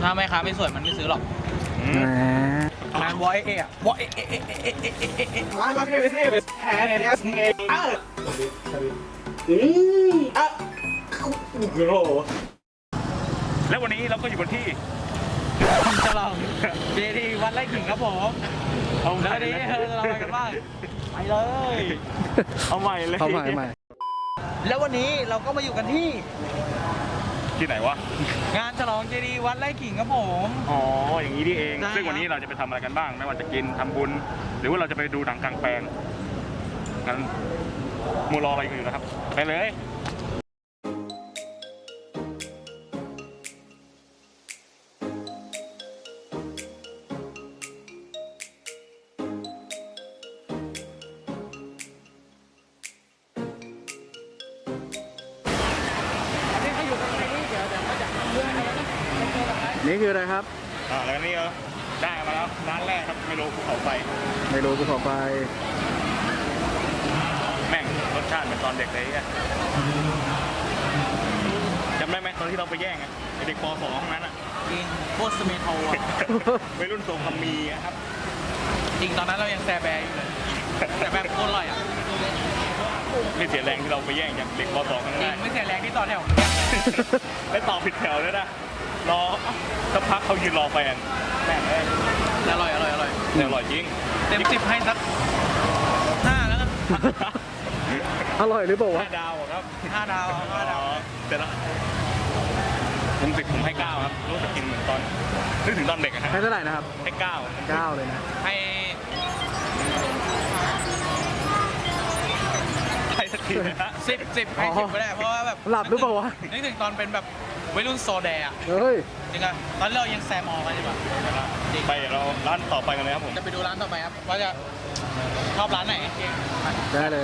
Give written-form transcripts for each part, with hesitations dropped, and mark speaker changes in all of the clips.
Speaker 1: ถ้าแม่ค้าไม่สวยมันไม่ซื้อหรอกงานวอเออะวอเอมาก็คือแพ้เนี่ยนะไง
Speaker 2: แล้ววันนี้เราก็อยู่กันที่
Speaker 1: ฉลองเจดีวัดไร่ขิงครับผมแล้ววันนี้เราไปกันบ้างไปเลย
Speaker 2: เอาใหม่เลย
Speaker 3: เอาใหม่ใหม่
Speaker 1: แล้ววันนี้เราก็มาอยู่กันที่
Speaker 2: ที่ไหนวะ
Speaker 1: งานฉลองเจดีวัดไร่ขิงครับผม
Speaker 2: อ๋ออย่างนี้นี่เอง
Speaker 1: ได้
Speaker 2: ซึ่งวันนี้เราจะไปทำอะไรกันบ้างไม่ว่าจะกินทำบุญหรือว่าเราจะไปดูหนังกลางแปลงงั้นมูรออะไรกันอยู่นะครับไปเลย
Speaker 3: นี่คืออะไรครับ
Speaker 2: แล้วนี่ได้มาแล้วร้านแรกครับไม่รู้ภูเขาไฟ
Speaker 3: ไม่รู้ภูเขาไฟ
Speaker 2: แม่งรสชาติเหมือนตอนเด็กเลยอ่ะจำได้ไหมตอนที่เราไปแย่งอ่ะไอ้เด็กป .2 ห้องนั้นอ่ะ
Speaker 1: กินโคตรสเมโทอ่ะ
Speaker 2: วัยรุ่นทรงคำมีอะครับ
Speaker 1: จริงตอนนั้นเรายังแซแบร์อยู่เลยแต่แบบโคตรอร่อยอ่ะ
Speaker 2: ไม่เสียแรงที่เราไปแย่งจากเด็กป .2 ข้าง
Speaker 1: จริ
Speaker 2: ได้
Speaker 1: งไม่เสียแรงที่ต่อแถวเหมือนกัน
Speaker 2: ไม่ต่อผิดแถวเลยนะรอสักพักเขายืนรอแฟนแม่งเลย
Speaker 1: อร่อยอร่อยอร่อย
Speaker 2: แต่อร่อยจริง
Speaker 1: เต็ม10ให้สัก5แล้วกัน
Speaker 3: อร่อยหรือเปล่าวะ
Speaker 2: 5 ดาวครับ
Speaker 1: 5 ดาว5 ดาว
Speaker 2: แต่ละผม10ผมให้9ครับรู้สึกกินเหมือนตอนนึกถึงตอนเด็กอะฮะ
Speaker 3: ให้เท่าไหร่นะครับ
Speaker 2: ให้9
Speaker 3: 9เลยนะ
Speaker 1: ให้
Speaker 2: ให้สักทีนะฮะ
Speaker 1: 10ให้10ก็ได้เพราะว่าแบบ
Speaker 3: หลับหรือเปล่าวะ
Speaker 1: นึกถึงตอนเป็นแบบวัยรุ่นโซแดอะ
Speaker 3: เฮ้ย
Speaker 1: จริงอะตอนเรายังแซมอกันใช่ปะจริง
Speaker 2: ไปเดี๋ยวเราร้านต่อไปกันเลยครับผม
Speaker 1: จะไปดูร้านต่อไปครับว่าจะชอบร้านไหน
Speaker 3: ได้เลย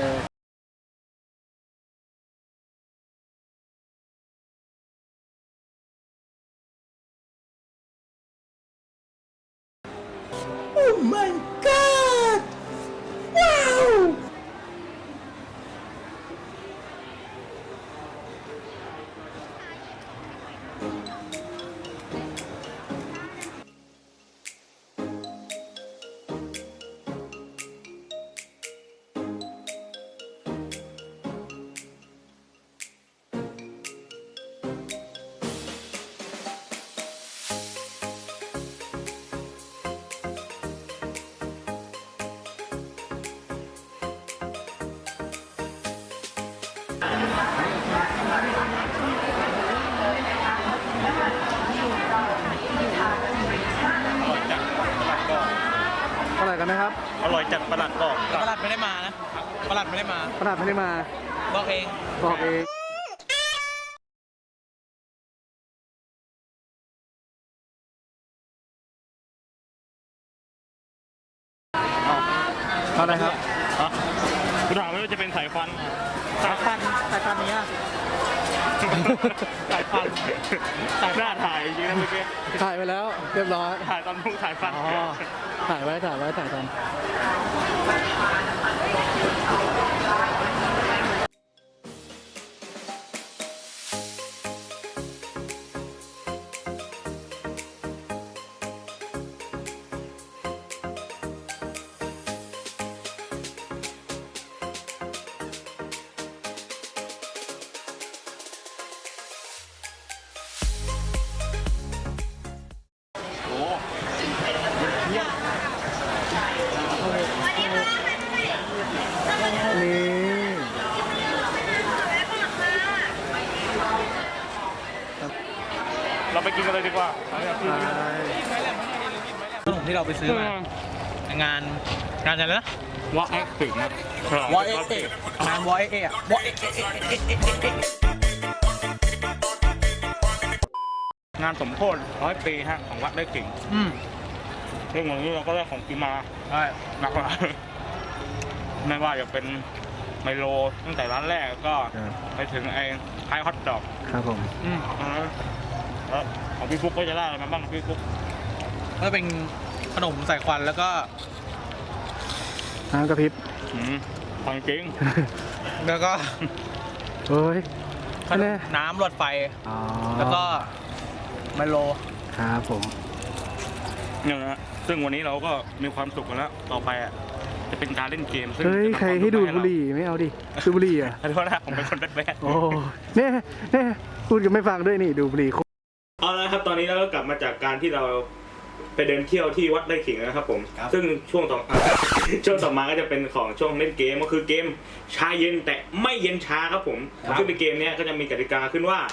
Speaker 3: เท่าไหร่กันนะครับ
Speaker 2: อร่อยจัดประหลัดบอก
Speaker 1: ประหลัดไม่ได้มานะประหลัดไม่ได้มา
Speaker 3: ขนาดไม่ได้มา
Speaker 1: บอกเอง
Speaker 3: บอกเอง เท่าไหร่ครับ
Speaker 2: ฮะคุณถามว่าจะเป็นสายฟัน
Speaker 1: สายพันธุ์นี้สายพันธุ์
Speaker 2: หน้าถ่ายจริงๆนะเมื่อกี้
Speaker 3: ถ่ายไปแล้ว เรียบร้อย
Speaker 2: ถ่ายตอนพุ่งสายฟัน
Speaker 3: อ๋อ ถ่ายไว้ถ่ายตอน
Speaker 2: โอ้
Speaker 3: นี่
Speaker 2: เราไปกินกันเลยดีกว่า
Speaker 1: ขนมที่เราไปซื้อมาในงานอะไรนะ
Speaker 2: วอเอ็กซ์ถึงนะ
Speaker 1: วอเองานวอเออะวอเอ
Speaker 2: งานสมโภช100 ปีฮะของวัดไร่ขิงซึ่งวันนี้เราก็ได้ของกินมา
Speaker 1: ใช่
Speaker 2: หนักมากไม่ว่าจะเป็นไมโลตั้งแต่ร้านแรกก็ไปถึงไอ้ไฮฮอตดอก
Speaker 3: ครับผม
Speaker 2: แล้วของพี่ฟุกก็จะได้อะไรมาบ้างพี่ฟุก
Speaker 1: ก็เป็นขนมใส่ควันแล้วก็
Speaker 3: น้ำกระพริบ
Speaker 2: ของจริง
Speaker 1: แล้วก็
Speaker 3: เฮ้ย
Speaker 1: ขนมน้ำรถไฟ
Speaker 3: อ๋อ
Speaker 1: แล้วก็ไมโล
Speaker 3: ครับผม
Speaker 2: เนี่ยนะฮะซึ่งวันนี้เราก็มีความสุขกันแล้วต่อไปอ่ะจะเป็นการเล่นเกมซึ่ง
Speaker 3: เฮ้ย
Speaker 2: จะทำ
Speaker 3: ใคร
Speaker 2: วาม
Speaker 3: ให้ดูด
Speaker 2: สุข
Speaker 3: บุหรี่ไม่เอาดิดูดบุหรี่อ่ะ
Speaker 2: ขอโทษนะผมเป็นคนแบด
Speaker 3: โอ้เนี่ยพูดกันไม่ฟังด้วยนี่ดูดบุหรี่
Speaker 2: เอาละครับตอนนี้เราก็กลับมาจากการที่เราไปเดินเที่ยวที่วัดไร่ขิงนะครับผมซึ่งช่วงต่อ ช่วงต่อมาก็จะเป็นของช่วงเล่นเกมก็คือเกมชาเย็นแต่ไม่เย็นชาครับผมซึ่งในเกมนี้ก็จะมีกติกาขึ้นว่า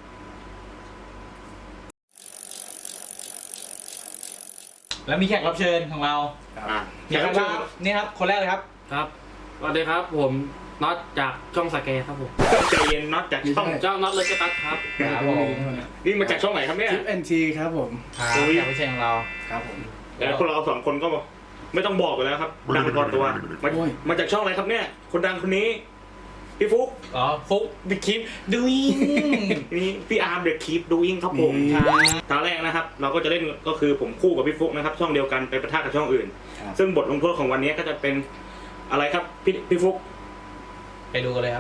Speaker 1: แล้วมีแขกรับเชิญของเรา
Speaker 2: แขกรับเชิญ
Speaker 1: นี่ครับคนแรกเลยครับ
Speaker 4: ครับสวัสดีครับผมน็อตจากช่องสแกครับผม
Speaker 2: ใจเย็นน็อตจากช่อง
Speaker 4: เจ้าน็อตเลยกระตัดครับ
Speaker 1: ครับผม
Speaker 2: นี่มาจากช่องไหนครับเนี่ย
Speaker 3: ทิปแอนทีครับผม
Speaker 1: ครับแขกรับเชิญของเรา
Speaker 3: ครับผม
Speaker 2: แต่พวกเราสองคนก็ไม่ต้องบอกกันแล้วครับดังพอตัวมาจากช่องอะไรครับเนี่ยคนดังคนนี้พี่ฟุ๊ก
Speaker 1: อ๋อฟุกบิ๊กคิมดูอิง
Speaker 2: นี่พี่อาร์มเดอะคีปดูอิงครับผมตอนแรกนะครับ เราก็จะเล่นก็คือผมคู่กับพี่ฟุ๊กนะครับช่องเดียวกันไปปะทะกับช่องอื่น ซึ่งบทลงโทษของวันนี้ก็จะเป็นอะไรครับพี่ฟุ๊ก
Speaker 1: ไปดูกันเลยครับ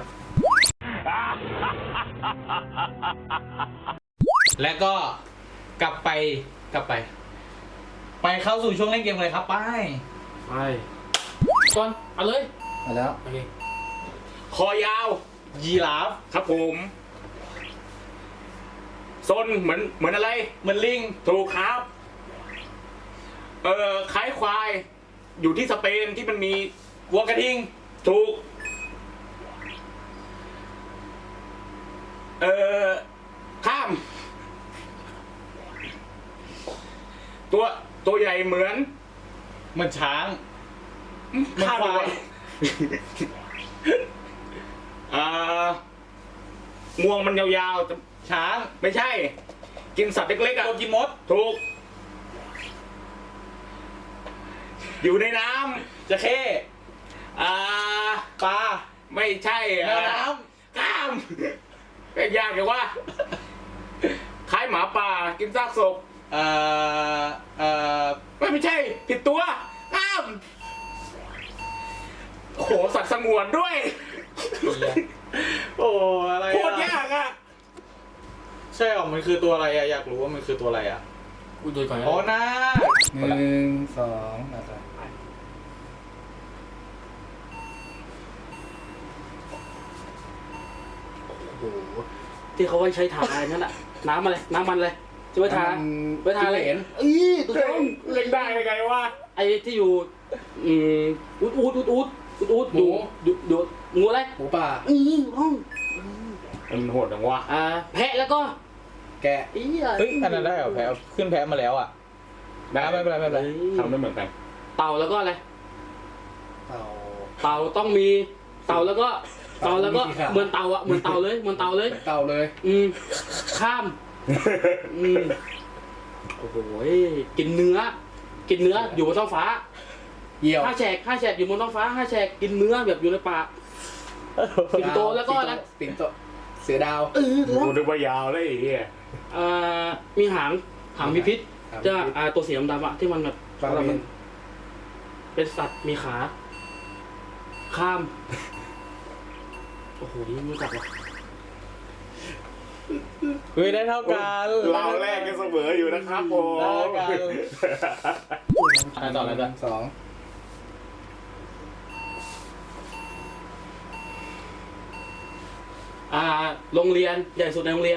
Speaker 1: แล้วก็กลับไป ไปเข้าสู่ช่วงเล่นเกมเลยครับไป
Speaker 4: ไปก่อนเอาเลย
Speaker 3: มาแล้ว
Speaker 4: โอเค
Speaker 2: คอยาว
Speaker 1: ยีราฟ
Speaker 2: ครับผมซนเหมือนอะไร
Speaker 1: เหมือนลิง
Speaker 2: ถูกครับคล้ายควายอยู่ที่สเปนที่มันมี
Speaker 1: วัวกระทิง
Speaker 2: ถูกข้าม ตัวใหญ่เหมือน
Speaker 1: เหมือนช้าง
Speaker 2: ข้าม
Speaker 1: ควาย
Speaker 2: งวงมันยาวๆแต่
Speaker 1: ช้าง
Speaker 2: ไม่ใช่ กินสัตว์เล็กๆอ่ะ
Speaker 1: ตัวกินมด
Speaker 2: ถูก อยู่ในน้
Speaker 1: จะเข้
Speaker 2: ำ
Speaker 1: ปลา
Speaker 2: ไม่ใช่
Speaker 1: แมวน้
Speaker 2: ข้ามเป็นยากเลยว่าคล้ายหมาป่ากินซากศพ ไม่ใช่ ผิดตัวข้ามโอ้โหสัตว์สงวนด้วย
Speaker 1: โอ้อะไร
Speaker 2: โคตรยากอ่ะ
Speaker 1: ใช่หรอมันคือตัวอะไรอะอยากรู้ว่ามันคือตัวอะไรอะ
Speaker 4: กูดูก่อนนะ
Speaker 1: อ๋อนาค
Speaker 3: 1 2มาต่อ
Speaker 4: โอ้โหที่เขาไว้ใช้ทาอะไรนั่นแหละน้ำอะไรน้ำมันอะไรจะไว้ทาไว้ทาอะไรตัว
Speaker 2: เฮ้
Speaker 4: จ้
Speaker 2: ย
Speaker 4: อง
Speaker 2: เล่นได้ยังไงวะ
Speaker 4: ไอ้ที่อยู่อูดดูงูอะไร
Speaker 3: หมูป่า
Speaker 4: ห้อง
Speaker 2: มันโหดจังวะ
Speaker 4: แพะแล้วก็
Speaker 3: แกะ
Speaker 4: เฮ้
Speaker 1: เฮ้ยอันนั้นได้เหรอแพ้ขึ้นแพ้มาแล้วอะได้ไม่เป็นไรไม่เป็นไร
Speaker 2: ทำไม่เหมือนกัน
Speaker 4: เต่าแล้วก็อะไร
Speaker 3: เต่า
Speaker 4: เต่าต้องมีเต่าแล้วก็เหมือนเต่าอะเหมือนเต่าเลย
Speaker 3: เต่าเลย
Speaker 4: ข้ามโอ้โหกินเนื้ออยู่บนท้องฟ้า
Speaker 3: เหี่ยว
Speaker 4: ห้าแฉกอยู่บนท้องฟ้า5 แฉกกินเนื้อแบบอยู่ในป่าสิงโตแล้วก็อะไร
Speaker 3: สิงโตเสือดาว
Speaker 2: กูนึกว่ายาวเลยไอ้เหี้ย
Speaker 4: มีหางมีพิษจะตัวสีดำๆอะที่มันแบบ
Speaker 3: ปลาเมน
Speaker 4: เป็นสัตว์มีขา ข้ามโอ้โหนี่ไม่รู้จักว่ะ
Speaker 1: เฮ้ยได้เท่ากัน
Speaker 2: เราแรกกันเสมออยู่นะครับผม
Speaker 1: ได้กันอะไรต่ออะไรต่อ
Speaker 3: สอง
Speaker 4: โรงเรียนใหญ่สุดในโรงเรียน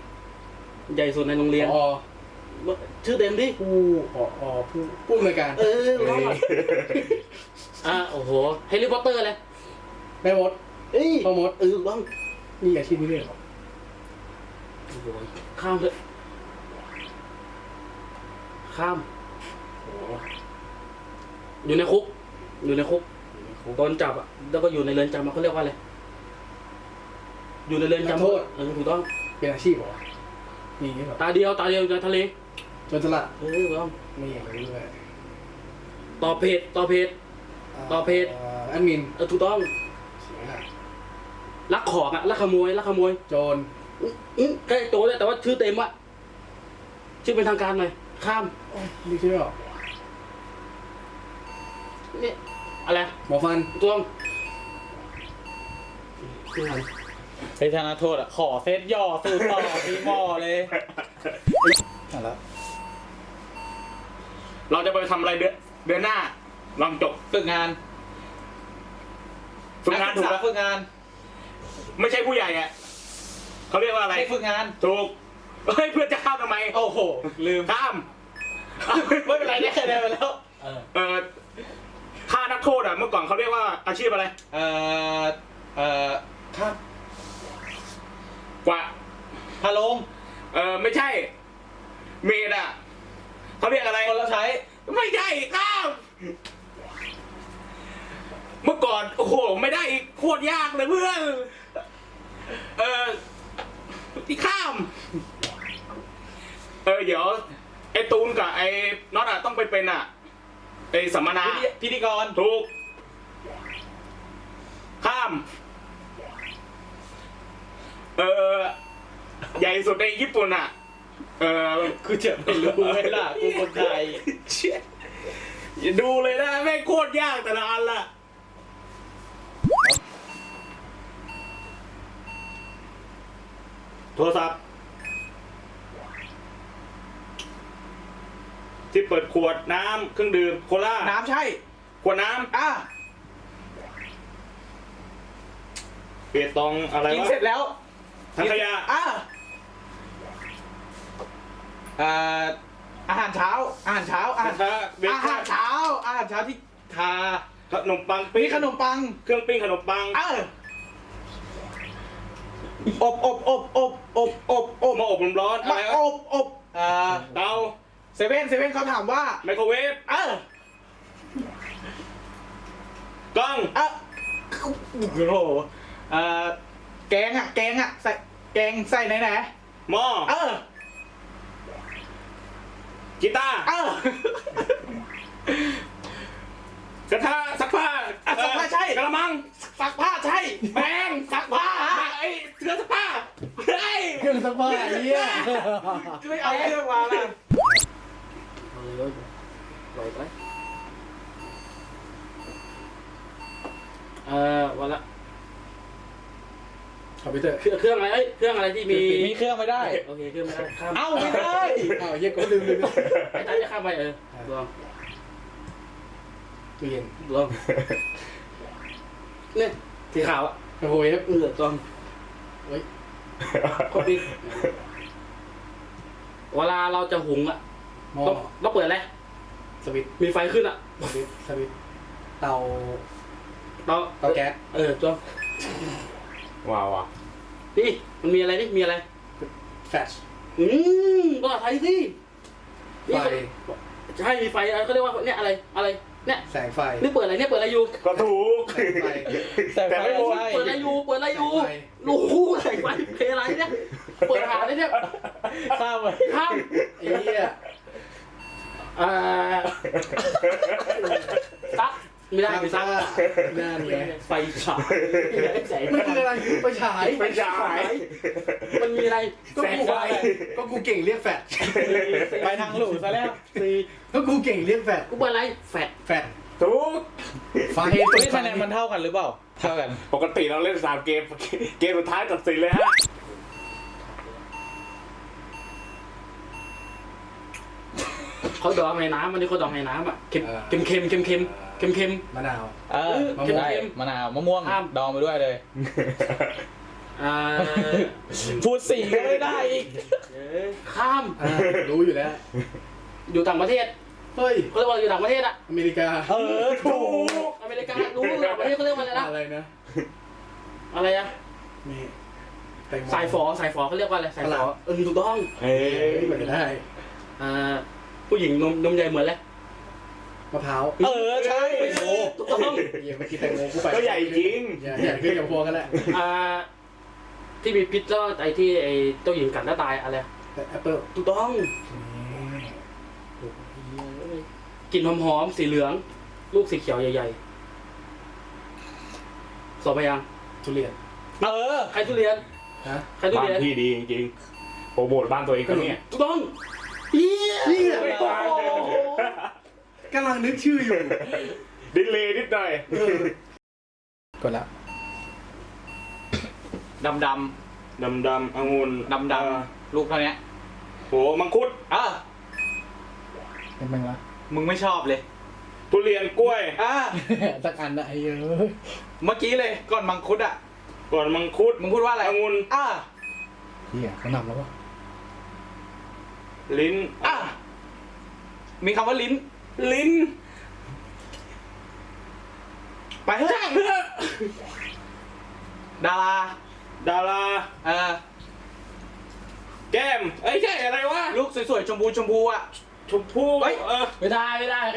Speaker 3: อ๋อ
Speaker 4: ชื่อเต็มดิ
Speaker 3: ผู้อำนวยการ
Speaker 4: รอดโอ้โหแฮร์รี่พอตเตอร์เลย
Speaker 3: แม่มดพ่อมด
Speaker 4: บ้าง
Speaker 3: นี่อาชีพนี้เลยเหรอ
Speaker 4: โอ้โหข้ามเลยข้ามอยู่ในคุกตอนจับอ่ะแล้วก็อยู่ในเรือนจำเขาเรียกว่าอะไรอยู่ในเรือนจำถูกต้อง
Speaker 3: เป็นอาชีพเหรอมีอย่างนี้เหรอ
Speaker 4: ตาเดียวอยู่ในทะเล
Speaker 3: โจรสลัด
Speaker 4: ถูกต้อง
Speaker 3: ไม่อย่างนี้เลย
Speaker 4: ต่อเพจ
Speaker 3: แอดมิน
Speaker 4: ถูกต้อง
Speaker 3: เสียหาย
Speaker 4: ลักของอ่ะลักขโมย
Speaker 3: โจร
Speaker 4: ใกล้โตเลยแต่ว่าชื่อเต็มอ่ะชื่อเป็นทางการหน่อยข้าม
Speaker 3: นี่ชื่อหรอ
Speaker 4: นี่อะไร
Speaker 3: หมอฟัน
Speaker 4: ถูกต้องชื่ออะไร
Speaker 1: เฮ้ยธนาโทษอะขอเซตย่อสูตรต่อพี่หมอเลย
Speaker 3: อ่ะแล้ว
Speaker 2: เราจะไปทำอะไรเดือนหน้าลองจบ
Speaker 1: ฝึกงาน
Speaker 2: ฝึกงานถูกแล้ว
Speaker 1: ฝึกงาน
Speaker 2: ไม่ใช่ผู้ใหญ่อะเขาเรียกว่าอะไร
Speaker 1: ให้ฝึกงาน
Speaker 2: ถูกเฮ้ยเพื่อนจะข้ามทำไม
Speaker 1: โอ้โหลืม
Speaker 2: ข้าม
Speaker 1: ไม่เป็นไรได้คะแนนไปแล้ว
Speaker 2: ฆ่านักโทษอะเมื่อก่อนเขาเรียกว่าอาชีพอะไร
Speaker 1: ครับ
Speaker 2: กว่า
Speaker 1: พาลง
Speaker 2: ไม่ใช่ เมดอะเขาเรียกอะไร
Speaker 1: คนเราใช้
Speaker 2: ไม่ใช่ข้าม เมื่อก่อนโอ้โหไม่ได้อีกโคตรยากเลยเพื่อนที่ข้าม เดี๋ยวไอ้ตูนกับไอ้น็อตอะต้องไปเป็นอะไอ้สัมมนา
Speaker 1: พิธีกร
Speaker 2: ถูก ข้าม ใหญ่สุดในญี่ปุ่นอะ
Speaker 1: กูจะไม่รู้ไหมล่ะกูคนไทย
Speaker 2: เชี่ยอย่าดูเลยนะแม่งโคตรยากแต่ละอันละโทรศัพท์ที่เปิดขวดน้ำเครื่องดื่มโคลา
Speaker 1: น้ำใช่
Speaker 2: ขวดน้ำเปียตองอะไร
Speaker 1: กิน
Speaker 2: วะ
Speaker 1: เสร็จแล้ว
Speaker 2: ถังขยะ
Speaker 1: อาหารเช้า อาหารเช้า อาหารเช้า
Speaker 2: เบรก
Speaker 1: อาหารเช้า อาหารเช้าที่ทา
Speaker 2: ขนมปัง
Speaker 1: มี
Speaker 2: ปิ้ง
Speaker 1: ขนมปัง
Speaker 2: เครื่องปิ้งขนมปัง
Speaker 1: อบ
Speaker 2: มาอบลมร้อนอะไรวะ เตา
Speaker 1: เซเว่นเขาถามว่า
Speaker 2: ไมโครเวฟกล้อง
Speaker 1: โอ้โหแกงใส่แกงใส่ไหน
Speaker 2: หม้อกีตาร์ กระทะซักผ้า
Speaker 1: ซักผ้าใช่
Speaker 2: กระมัง
Speaker 1: ซักผ้าใช่
Speaker 2: แปรงซักผ้าไอ้เครื่องซักผ้าเฮ้ย
Speaker 3: เครื่องซักผ้าไอ้เหี้ย
Speaker 1: ไม่เอาเครื่องมาล่ะ
Speaker 4: เลยปล่อยไปวันละ
Speaker 3: คอมพิวเตอร์
Speaker 4: เครื่องอะไรเครื่องอะไรที่มี
Speaker 1: มีเครื่องไม่ได้
Speaker 4: โอเคเครื่องไม่ได้ข้าม
Speaker 1: เอ้าไม่ได้
Speaker 3: เหี้ยกูลืม
Speaker 4: ไอ้ท่านจะข้ามไปลอง
Speaker 3: ตู้เย็น
Speaker 4: ลองเนี่ยสีขาวอ่ะ
Speaker 3: ไมโครเวฟ
Speaker 4: ลอง
Speaker 3: เฮ้ย
Speaker 4: คอมพิวเวลาเราจะหุงอ่ะ
Speaker 3: หม้อ
Speaker 4: ต้องเปิดอะไร
Speaker 3: สวิตช์
Speaker 4: มีไฟขึ้นอ่ะ
Speaker 3: สวิตช์เตาเตาแก๊ส
Speaker 4: จอม
Speaker 2: ว้าวอ่ะ
Speaker 4: นี่มันมีอะไรนี่มีอะไร
Speaker 3: แฟช
Speaker 4: ภาษาไทยสิ
Speaker 3: ไฟ
Speaker 4: ใช่มีไฟเขาเรียกว่าเนี่ยอะไรเนี่ย
Speaker 3: แสงไฟ
Speaker 4: นี่เปิดอะไรเนี่ยเปิดอะไรอยู่
Speaker 2: ก็ถูก
Speaker 3: แสงไฟ
Speaker 2: แต่ไม่หมด
Speaker 4: เปิดอะไรอยู่รู้ใส่ไฟเพลอะไรเนี่ยเปิดหาเลยเนี่ย
Speaker 1: ข้ามไป
Speaker 4: ข้าม
Speaker 3: ไอ้เหี้ย
Speaker 4: ซักไม่ได้ไม่ซัก
Speaker 3: นั่นไง
Speaker 4: ไฟฉายแสง
Speaker 3: มันคืออะไรไฟฉาย
Speaker 2: ไฟฉาย
Speaker 4: มันมีอะไร
Speaker 3: ก็กูก็กูเก่งเรียกแฟช
Speaker 1: ไปทางหลูซะแล้ว
Speaker 3: ก็กูเก่งเรียกแฟช
Speaker 4: กูเปิดอะไรแฟด
Speaker 3: แฟช
Speaker 2: ถูก
Speaker 3: ไฟ
Speaker 1: นี่คะแนนมันเท่ากันหรือเปล่า เท่ากัน
Speaker 2: ปกติเราเล่น3เกม เกมสุดท้ายตัดสินเลยฮะ
Speaker 4: เขาดองในน้ำมันนี่เขาดองในน้ำอ่ะเค็ม
Speaker 3: มะนาว
Speaker 1: ได้มะนาวมะม่วงดองไปด้วยเลย พูดสีก็ไม่ได้อีก
Speaker 4: ข้าม
Speaker 3: รู้อยู่แล้ว
Speaker 4: อยู่ต่างประเทศ
Speaker 3: เฮ้ย
Speaker 4: เขาเรียกว่าอยู่ต่างประเทศอะ
Speaker 3: อเมริกา
Speaker 1: ถูก
Speaker 4: อเมริการู้ต่างประเทศเขาเรียกว่าอะไรนะ
Speaker 3: อะไรนะ
Speaker 4: อะไรอะ
Speaker 3: นี่แตงโม
Speaker 4: สายฝอเขาเรียกว่าอะไรสายฝอถูกต้อง
Speaker 2: เฮ้ย
Speaker 3: เหมือนได้
Speaker 4: ผู้หญิงนมใหญ่เหมือนเลย
Speaker 3: มะพร้าว
Speaker 1: ใช่
Speaker 3: แตงโม
Speaker 4: ถูกต้อง
Speaker 3: เยี่ยเมื่อกี้แตงโมกูไป
Speaker 2: ก็ใหญ่จริง
Speaker 3: ใหญ่ขึ้นกับพวกกันแหละ
Speaker 4: ที่มีพิษแล้วไอ้ที่ไอ้เจ้าหญิงกัดแล้วตายอะไร
Speaker 3: แต่แอปเปิ้ล
Speaker 4: ถูกต้องกลิ่นหอมๆสีเหลือง ลูกสีเขียวใหญ่ๆสอบไปยัง
Speaker 3: ทุเรียน
Speaker 4: ใครทุเรียน
Speaker 3: ฮะ
Speaker 4: ใครทุ
Speaker 2: บ้าน
Speaker 4: เรียน
Speaker 2: พี่ดีจริงๆโปรโมทบ้านตัวเองก็เนี่ย
Speaker 4: ถูกต้องเฮีย
Speaker 3: กำลังนึกชื่ออยู่
Speaker 2: ดิเลย์นิดหน่อย
Speaker 3: กดละ
Speaker 1: ดำ
Speaker 2: องุ่น
Speaker 1: ลูกเท่านี้
Speaker 2: โหมังคุด
Speaker 3: เป็นไงวะ
Speaker 1: มึงไม่ชอบเลย
Speaker 2: ทุเรียนกล้วย
Speaker 3: สักอันนะไอ้เยอะ
Speaker 1: เมื่อกี้เลยก่อนมังคุดอ่ะ
Speaker 2: ก่อนมังคุด
Speaker 1: มึงพูดว่าอะไร
Speaker 2: องุ่น
Speaker 3: เฮียเขานำแล้ววะ
Speaker 2: ลิ้น
Speaker 1: มีคำว่าลิ้น
Speaker 2: ลิ้น
Speaker 1: ไปเถอะดารา
Speaker 2: ดารา แก้มเอ้ยใช่อะไรวะ
Speaker 1: ลูกสวยๆชมพูอ่ะ
Speaker 2: ชมพู่
Speaker 1: เฮ้ย
Speaker 4: ไม่ได้
Speaker 1: ไม่ได้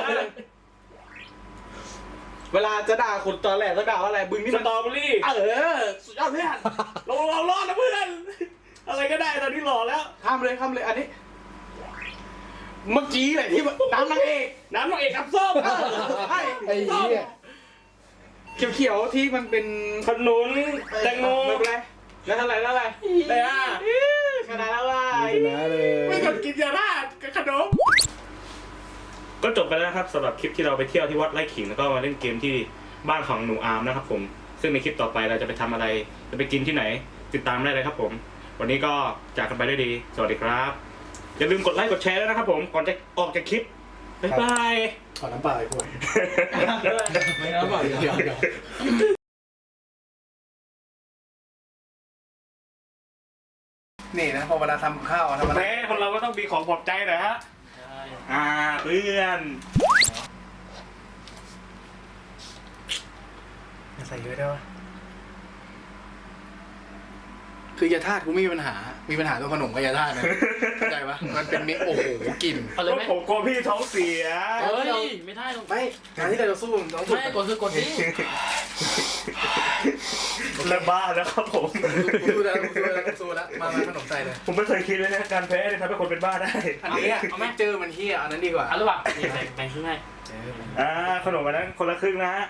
Speaker 1: เวลาจะด่าคนตอนแรกจะด่าว่าอะไรบึงนี่
Speaker 2: ส
Speaker 1: มัน
Speaker 2: ตรอเบอรี่
Speaker 1: สุดยอดเพื่อน
Speaker 2: เรารอดนะเพื่อน อะไรก็ได้ตอนนี้หล่อแล้ว
Speaker 1: ข้ามเลยอันนี้ เมื่อกี้เลยที่น้ำนางเอก
Speaker 2: น้ำนางเอกกับส้ม
Speaker 1: ใช่
Speaker 3: ไอ้เหี้ย
Speaker 1: เขียวๆที่มันเป็น
Speaker 2: ขนุนแตงโม
Speaker 1: ไม่เป็นไรแล้วเท่าไหร่ได้ ขนาดแล้วว่า
Speaker 3: ชนะเลย
Speaker 1: ไม่กดกินยาลาดกับขนม
Speaker 2: ก็จบไปแล้วครับสำหรับคลิปที่เราไปเที่ยวที่วัดไร่ขิงแล้วก็มาเล่นเกมที่บ้านของหนูอาร์มนะครับผมซึ่งในคลิปต่อไปเราจะไปทำอะไรจะไปกินที่ไหนติดตามได้เลยครับผมวันนี้ก็จากกันไปด้วยดีสวัสดีครับอย่าลืมกดไลค์กดแชร์ด้วยนะครับผมก่อนจะออกจากคลิปบ๊ายบาย
Speaker 3: ขอน้ำเปล่าไอ้พวก
Speaker 1: ไม่เอาบอก
Speaker 3: เดี๋ยว นี่นะพอเวลาทำข้าวทำอะไร
Speaker 2: แม่คนเราก็ต้องมีของปลอบใจหน่อยฮะเพื่อน
Speaker 3: ใส่เยอะได้ปะคือยาธาตุกูไม่มีปัญหาตัวขนมกับยาธาตุนะเข้าใจปะมันเป็นเมฆโอ้โหกลิ่น
Speaker 4: เอาเลยไหม
Speaker 2: ผมกลัวพี่ท้องเสีย
Speaker 4: เฮ้ยไม่ได้หรอก
Speaker 3: ไม่การที่เราจะสู้มันต้องสู้
Speaker 4: ไม่กดคือกดนี่
Speaker 2: เลิกบ้าแล้วครับผม
Speaker 3: กูสู้แล้วมาขนมใส่เลย
Speaker 2: ผมไม่เคยคิดเลยนะการแพ้เนี่ยทำให้คนเป็นบ้าได้
Speaker 3: อันนี้เอาไหมเจอมันเฮียอันนั้นดีกว่า
Speaker 4: เอาหรือเปล่านี่แบ่งครึ่งให้
Speaker 2: ขนมอันนั้นคนละครึ่งนะฮะ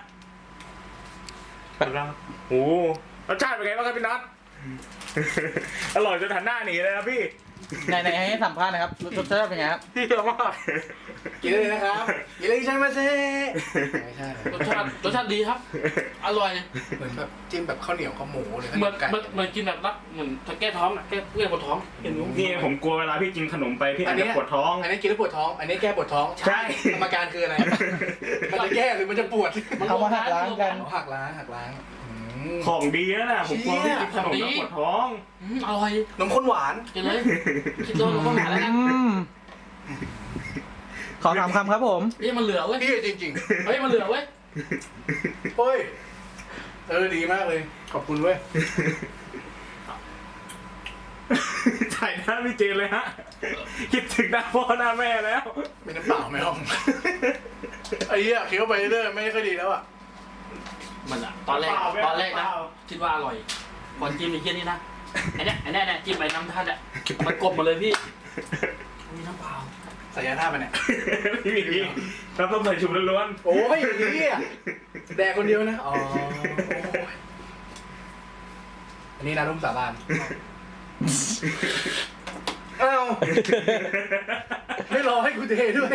Speaker 2: โอ้รสชาติเป็นไงบ้างครับพี่น็อต อร่อยจนหันหน้าหนีเลยนะพี่
Speaker 1: ไหนให้สัมภาษณ์นะครับรสชาติเป็นไงครับ
Speaker 2: พี่เยอะมาก
Speaker 3: กินเลยนะครับกินเลยใช่ไหมเซ่ไม่ใช่
Speaker 4: รสชาติดีครับ อร่อย
Speaker 3: เหมือนแบบจิ้มแบบข้าวเหนียวข้าวหมูหรือข้าว
Speaker 4: เห
Speaker 3: เห
Speaker 4: มื
Speaker 3: นี
Speaker 4: อน
Speaker 3: ยวไก่
Speaker 4: เหมือนกินแบบรักเหมือนแก้ท้องอ่ะแก้เพื่อนปวดท้องเห็นไหม
Speaker 2: นี่ผมกลัวเวลาพี่กินขนมไปพี่อาจจะปวดท้อง
Speaker 3: อันนี้กินแล้วปวดท้อง อันนี้แก้ปวดท้อง
Speaker 2: ใช่
Speaker 3: กรรมการคืออะไร มันจะแก้หรือมันจะปวด
Speaker 1: เอามาหักล้างกัน
Speaker 3: หักล้างอืม
Speaker 2: ของดีนะผมกลัวพี่กินขนมแล้วปวดท้อง
Speaker 4: อร่อย
Speaker 3: นมข้นหวาน
Speaker 4: กินเลยคิดโดนข้าวหนาแล้วนะ
Speaker 1: ขอ3 คำครับผม
Speaker 4: เฮ้ยมันเหลือเว้ย
Speaker 3: พี่จริง
Speaker 4: เฮ้ยมันเหลือเว้ย
Speaker 3: ๆเฮ้ยดีมากเลย ขอบคุณเว้ย
Speaker 2: ถ่ายหน้าพี่เจนเลยฮะ คิดถึงหน้าพ่อหน้าแม่แล้ว
Speaker 3: มีน้ำเปล่าไหมห้องไอ้เหี้ยเคี้ยวไปเรื่อยไม่ค่อยดีแล้วอ่ะ
Speaker 4: มันอะตอนแรกนะคิดว่าอร่อยก่อนจิ้มไอ้เหี้ยนี่นะไอ้เนี่ยจิ้มไปน้ำท่านอ่ะมันกลบหมดเลยพี่มีน้ำเปล่า
Speaker 3: ใส่ยาท่าไปเนี่ย
Speaker 2: พี่มีน้ำส้มสายชูล้วน
Speaker 3: โอ้ยเหี้ยแดกคนเดียวนะ อ๋ออันนี้นะรุ่มสาบานอ้าวไม่รอให้กูเทด้วย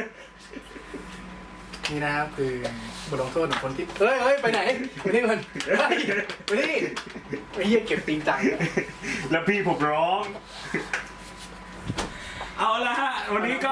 Speaker 3: นี่นะครับคือบทลงโทษของคนที่เฮ้ยไปไหนไปนี่ก่อนเฮ้ยไปนี่ไอ้เหี้ยเก็บติงจัง
Speaker 2: แล้วพี่ผมร้อง เอาละฮะวันนี้ก็